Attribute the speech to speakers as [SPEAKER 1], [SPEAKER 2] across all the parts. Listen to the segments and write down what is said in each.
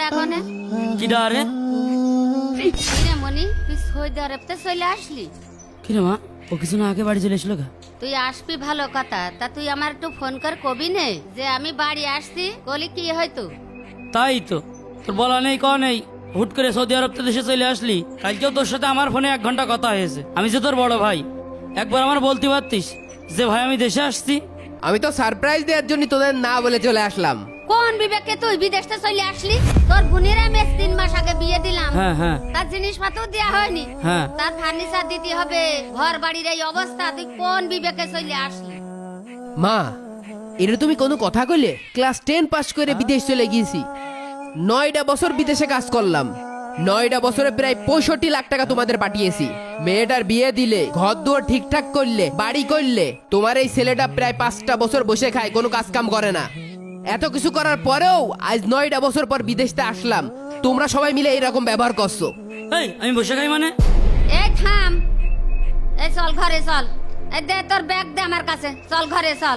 [SPEAKER 1] এখনে
[SPEAKER 2] কি ডারে
[SPEAKER 1] কিরে মনি তুই সৌদি আরবতে চলে আসলি?
[SPEAKER 2] কিরে মা ও কিছু না আগে বাড়ি চলে এসলো গা?
[SPEAKER 1] তুই আসবি ভালো কথা, তা তুই আমার একটু ফোন কর কবি নে যে আমি বাড়ি আসছি, বলি কি হয়তো।
[SPEAKER 2] তাই তো, তোর বলা নেই ক নেই, হুট করে সৌদি আরব দেশে চলে আসলি। কালকেও তোর সাথে আমার ফোনে 1 ঘন্টা কথা হয়েছে। আমি যে তোর বড় ভাই, একবার আমার বলতে পারতিস যে ভাই আমি দেশে আসছি।
[SPEAKER 3] আমি তো সারপ্রাইজ দেওয়ার জন্য তোদের না বলে চলে আসলাম।
[SPEAKER 1] কোন বিবেকে তুই বিদেশে চলে আসলি? তোর বোনের আমি 3 মাস আগে বিয়ে দিলাম,
[SPEAKER 2] হ্যাঁ হ্যাঁ
[SPEAKER 1] তার জিনিসপত্র দেওয়া হয়নি,
[SPEAKER 2] হ্যাঁ।
[SPEAKER 1] তার ফার্নিচার দিতে হবে, ঘর বাড়ির এই অবস্থা, তুই কোন বিবেকে চলে আসলি?
[SPEAKER 3] মা, এটা তুমি কোনো কথা কইলে? ক্লাস 10 পাস করে বিদেশ চলে গিয়েছি, 9টা বছর বিদেশে কাজ করলাম, 9টা বছরে প্রায় 65 লাখ টাকা তোমাদের পাঠিয়েছি। মেয়েটার বিয়ে দিলে, ঘর দুয়ার ঠিকঠাক করলে, বাড়ি করলে, তোমার এই ছেলেটা প্রায় 5টা বছর বসে খায়, কোনো কাজ কাম করে না। এত কিছু করার পরেও আজ 9টা বছর পর বিদেশতে আসলাম, তোমরা সবাই মিলে এইরকম ব্যবহার করছো।
[SPEAKER 2] এই আমি বসে খাই মানে?
[SPEAKER 1] এই থাম, এই চল ঘরে চল, এই দে তোর ব্যাগ দে আমার কাছে, চল ঘরে চল।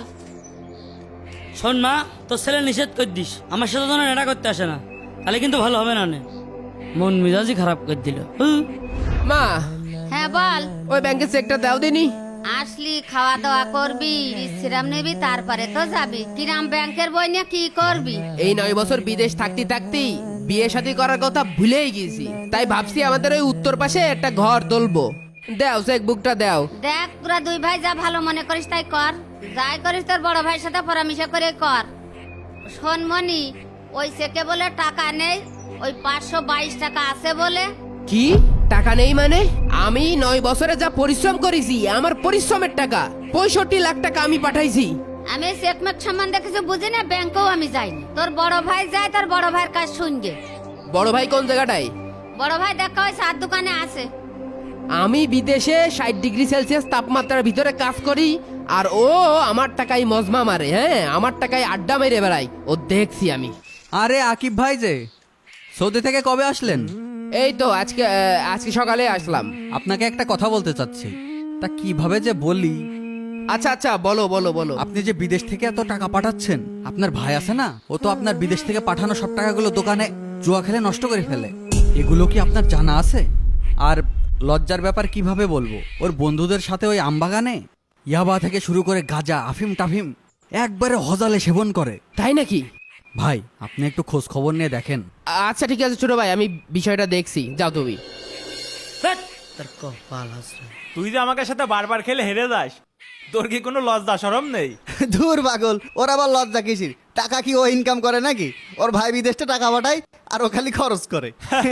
[SPEAKER 2] শোন মা, তোর ছেলে নিষেধ করে দিস আমার সাথে যেন এটা করতে আসে না, তাহলে কিন্তু ভালো হবে না। নে মন মেজাজই খারাপ করে দিল।
[SPEAKER 3] মা,
[SPEAKER 1] হ্যাঁ বল।
[SPEAKER 3] ওই ব্যাংকের চেকটা দাও দিনি।
[SPEAKER 1] আসলি খাওয়া দাওয়া করবি, বিশ্রাম নিবি, তারপরে তো যাবি। কিরাম ব্যাংকের বই নিয়ে কি করবি?
[SPEAKER 3] এই 9 বছর বিদেশ থাকতে থাকতেই বিয়ে শাদী করার কথা ভুলেই গেছি, তাই ভাবছি আমাদের ওই উত্তর পাশে একটা ঘর তুলবো। দাও চেক বুকটা দাও।
[SPEAKER 1] দেখ তোরা 2 ভাই যা ভালো মনে করিস তাই কর, যাই করিস তোর বড় ভাইয়ের সাথে পরামর্শ করে কর। শোন মনি, ওই চেকে বলে টাকা নেই, ওই 522 টাকা আছে বলে।
[SPEAKER 3] কি টাকা নেই মানে? আমি 9 বছরে যা পরিশ্রম করেছি, আমার পরিশ্রমের টাকা 65 লাখ টাকা আমি পাঠাইছি।
[SPEAKER 1] আমি চেকমেক সম্বন্ধে কিছু বুঝি না, ব্যাংকেও আমি যাইনি। তোর বড় ভাই যায়, তোর বড় ভাইয়ের কাজ শুনবে।
[SPEAKER 3] বড় ভাই কোন জায়গাটায়?
[SPEAKER 1] বড় ভাই দেখা হয় চার দোকানে আছে।
[SPEAKER 3] আমি বিদেশে 60 ডিগ্রি সেলসিয়াস তাপমাত্রার ভিতরে কাজ করি, আর ও আমার টাকায় মজমা মারে। হ্যাঁ, আমার টাকায় আড্ডা মেরে বেড়াই, ও দেখছি আমি।
[SPEAKER 4] আরে আকিব ভাই যে সৌদি থেকে কবে আসলেন?
[SPEAKER 3] এই তো আজকে সকালে আসলাম।
[SPEAKER 4] আপনাকে একটা কথা বলতে চাচ্ছি, তা কিভাবে যে বলি।
[SPEAKER 3] আচ্ছা আচ্ছা, বলো বলো বলো।
[SPEAKER 4] আপনি যে বিদেশ থেকে এত টাকা পাঠাচ্ছেন, আপনার ভাই আছে না, ও তো আপনার বিদেশ থেকে পাঠানো সব টাকাগুলো দোকানে জুয়া খেলে নষ্ট করে ফেলে। এগুলো কি আপনার জানা আছে? আর লজ্জার ব্যাপার কিভাবে বলবো, ওর বন্ধুদের সাথে ওই আমবাগানে ইয়াবা থেকে শুরু করে গাঁজা আফিম টাফিম একবারে হজালে সেবন করে।
[SPEAKER 3] তাই নাকি?
[SPEAKER 4] ভাই আপনি একটু খোঁজ খবর নিয়ে দেখেন।
[SPEAKER 3] আচ্ছা ঠিক আছে ছোট ভাই, আমি বিষয়টা দেখছি, যাও তুমি।
[SPEAKER 2] ধ্যাৎ, তোর কপাল হাসরে।
[SPEAKER 5] তুই যে আমাকে সাথে বারবার খেলে হেরে যাস, তোর কি কোনো লজ্জা শরম নেই?
[SPEAKER 6] দূর পাগল, ওর আবার লজ্জা কিসির? টাকা কি ও ইনকাম করে নাকি? ওর ভাই বিদেশে টাকা পাঠায় আর ও খালি খরচ করে।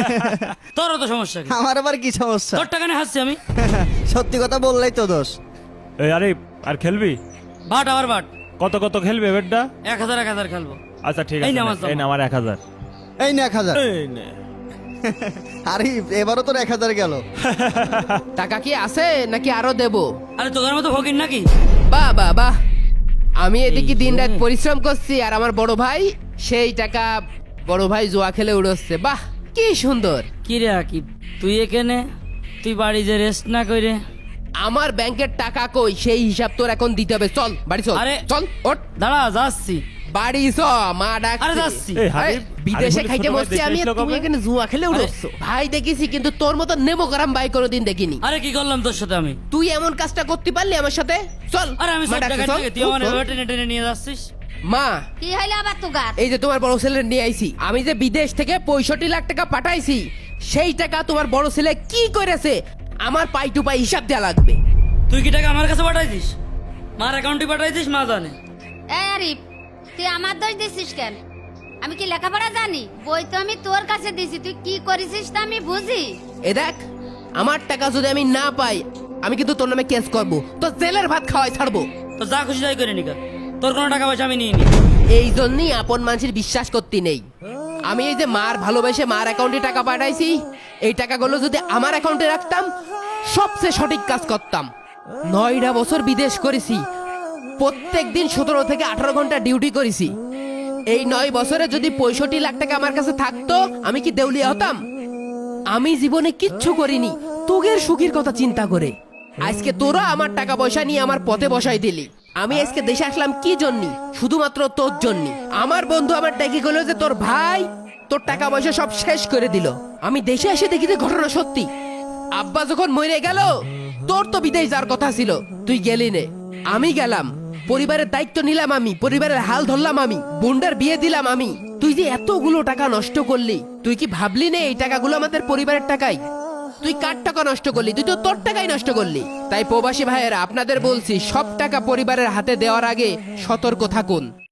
[SPEAKER 2] তোরও তো সমস্যা কি?
[SPEAKER 6] আমার আবার কি সমস্যা?
[SPEAKER 2] তোর টাকা নিয়ে হাসছি আমি?
[SPEAKER 6] সত্যি কথা বললেই তো দোষ।
[SPEAKER 5] এই আরে আর খেলবি?
[SPEAKER 2] বাট আবার বাট।
[SPEAKER 5] কত কত খেলবে বেডটা?
[SPEAKER 2] 1000 খেলবো।
[SPEAKER 5] আচ্ছা ঠিক
[SPEAKER 2] এই
[SPEAKER 5] আছে,
[SPEAKER 2] নে আমার
[SPEAKER 5] এই না আমার 1000।
[SPEAKER 6] এই না 1000।
[SPEAKER 5] এই নে।
[SPEAKER 6] আরে এবারও তোর 1000 গেল।
[SPEAKER 3] টাকা কি আছে নাকি আরো দেবো?
[SPEAKER 2] আরে তোদের মতো ফকির নাকি?
[SPEAKER 3] বাহ বাহ বাহ, আমি এদিকে দিন রাত পরিশ্রম করছি, আর আমার বড় ভাই সেই টাকা বড় ভাই জুয়া খেলে উড়োচ্ছে। বাহ কি সুন্দর।
[SPEAKER 2] কি রে আকিব, তুই এখানে, তুই বাড়ি যে রেস্ট না করে।
[SPEAKER 3] আমার ব্যাংকের টাকা কই, সেই হিসাব তোর এখন দিতে হবে। চল বাড়ি চল।
[SPEAKER 2] আরে
[SPEAKER 3] চল ওঠ,
[SPEAKER 2] দাঁড়া যাচ্ছি।
[SPEAKER 3] বাড়ি চ, মা ডাক।
[SPEAKER 2] আরে যাচ্ছি।
[SPEAKER 5] এই হাবিব,
[SPEAKER 3] বিদেশে
[SPEAKER 5] হাবিব
[SPEAKER 3] খাইতে
[SPEAKER 5] ছোট ভাই
[SPEAKER 3] বসছি
[SPEAKER 5] দেশে
[SPEAKER 3] আমি, আর
[SPEAKER 5] এসলো
[SPEAKER 3] তুমি
[SPEAKER 5] কবে?
[SPEAKER 3] এখানে জুয়া খেলে উড়োচ্ছ। ভাই দেখেছি, কিন্তু তোর মতো নেমো করাম ভাই কোনোদিন দেখিনি।
[SPEAKER 2] আরে কি করলাম তোর সাথে আমি?
[SPEAKER 3] তুই এমন কাজটা করতে পারলি আমার সাথে? চল।
[SPEAKER 2] আরে আমি
[SPEAKER 3] মা
[SPEAKER 2] সব
[SPEAKER 3] ডাকছে,
[SPEAKER 2] টাকা
[SPEAKER 3] চল।
[SPEAKER 2] থেকে তুই আমার
[SPEAKER 3] চল।
[SPEAKER 2] এভাবে টেনে টেনে নিয়ে যাচ্ছিস।
[SPEAKER 3] মা,
[SPEAKER 1] কি হইলো আবার তুগার?
[SPEAKER 3] এই যে তোমার বড় ছেলে নিয়ে আইছি, আমি যে বিদেশ থেকে 65 লাখ টাকা পাঠাইছি, সেই টাকা তোমার বড় ছেলে কি করেছে আমার পাই টু পাই হিসাব দেওয়া লাগবে।
[SPEAKER 2] তুই কি টাকা আমার কাছে পাঠাই দিস? মার অ্যাকাউন্টে পাঠাই দিস, মা জানে।
[SPEAKER 1] এই আরিফ, তুই আমার দোষ দিছিস কেন? আমি কি লেখাপড়া জানি? বই তো আমি তোর কাছে দিছি, তুই কি করেছিস তা আমি বুঝি।
[SPEAKER 3] এ দেখ, আমার টাকা যদি আমি না পাই, আমি কিন্তু তোর নামে কেস করবো, তো জেলের ভাত খাওয়াই ছাড়বো।
[SPEAKER 2] তো যা খুশি তাই করে নিকা, তোর কোনো টাকা পয়সা আমি নিয়ে নি।
[SPEAKER 3] এই জন্যই আপন মানুষের বিশ্বাস করতে নেই। আমি এই যে মার ভালোবেসে মার অ্যাকাউন্টে টাকা পাঠাইছি, এই টাকাগুলো যদি আমার অ্যাকাউন্টে রাখতাম, সবচেয়ে সঠিক কাজ করতাম। 9টা বছর বিদেশ করেছি, প্রত্যেক দিন 17 থেকে 18 ঘন্টা ডিউটি করেছি। এই 9 বছরে যদি 65 লাখ টাকা আমার কাছে থাকতো, আমি কি দেউলিয়া হতাম? আমি জীবনে কিচ্ছু করিনি তোগের সুখের কথা চিন্তা করে। আজকে তোরা আমার টাকা পয়সা নিয়ে আমার পথে বসাই দিলি। আমি আজকে দেশে আসলাম কি জন্য? শুধুমাত্র তোর জন্য। আমার বন্ধু আমার ডেকে গেল যে তোর ভাই তোর টাকা পয়সা সব শেষ করে দিল। আমি দেশে এসে দেখি যে ঘটনা সত্যি। আব্বা যখন মরে গেল তোর তো বিদেশ যাওয়ার কথা ছিল, তুই গেলি নে। আমি গেলাম, পরিবারের দায়িত্ব নিলাম আমি, পরিবারের হাল ধরলাম আমি, বোনটার বিয়ে দিলাম আমি। তুই যে এতগুলো টাকা নষ্ট করলি, তুই কি ভাবলি নে এই টাকাগুলো আমাদের পরিবারের টাকাই? তুই কার টাকা নষ্ট করলি? তুই তো তোর টাকাই নষ্ট করলি। তাই প্রবাসী ভাইয়েরা আপনাদের বলছি, সব টাকা পরিবারের হাতে দেওয়ার আগে সতর্ক থাকুন।